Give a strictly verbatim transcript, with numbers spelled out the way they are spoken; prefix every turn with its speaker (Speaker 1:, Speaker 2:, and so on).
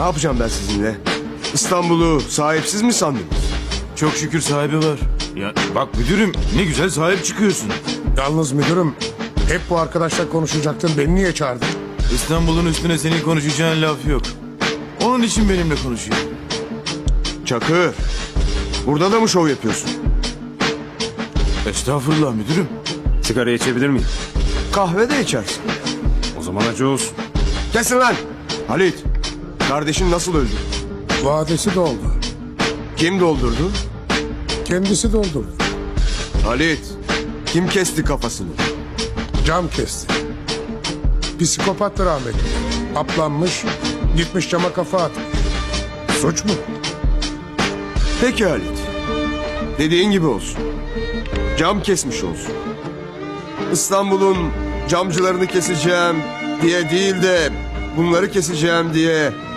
Speaker 1: Ne yapacağım ben sizinle? İstanbul'u sahipsiz mi sandınız?
Speaker 2: Çok şükür sahibi var. Ya bak müdürüm, ne güzel sahip çıkıyorsun.
Speaker 3: Yalnız müdürüm, hep bu arkadaşla konuşacaktın. Beni niye çağırdın?
Speaker 2: İstanbul'un üstüne senin konuşacağın laf yok. Onun için benimle konuşuyor.
Speaker 1: Çakır, burada da mı şov yapıyorsun?
Speaker 2: Estağfurullah müdürüm.
Speaker 4: Sigara içebilir miyim?
Speaker 1: Kahve de içersin.
Speaker 4: O zaman acı olsun.
Speaker 1: Kesin lan! Halit, kardeşin nasıl öldü?
Speaker 3: Vadesi doldu.
Speaker 1: Kim doldurdu?
Speaker 3: Kendisi doldurdu.
Speaker 1: Halit, kim kesti kafasını?
Speaker 3: Cam kesti. Psikopattı rahmetli. Aplanmış, gitmiş cama kafa atmış. Suç mu?
Speaker 1: Peki Halit, dediğin gibi olsun. Cam kesmiş olsun. İstanbul'un camcılarını keseceğim diye değil de bunları keseceğim diye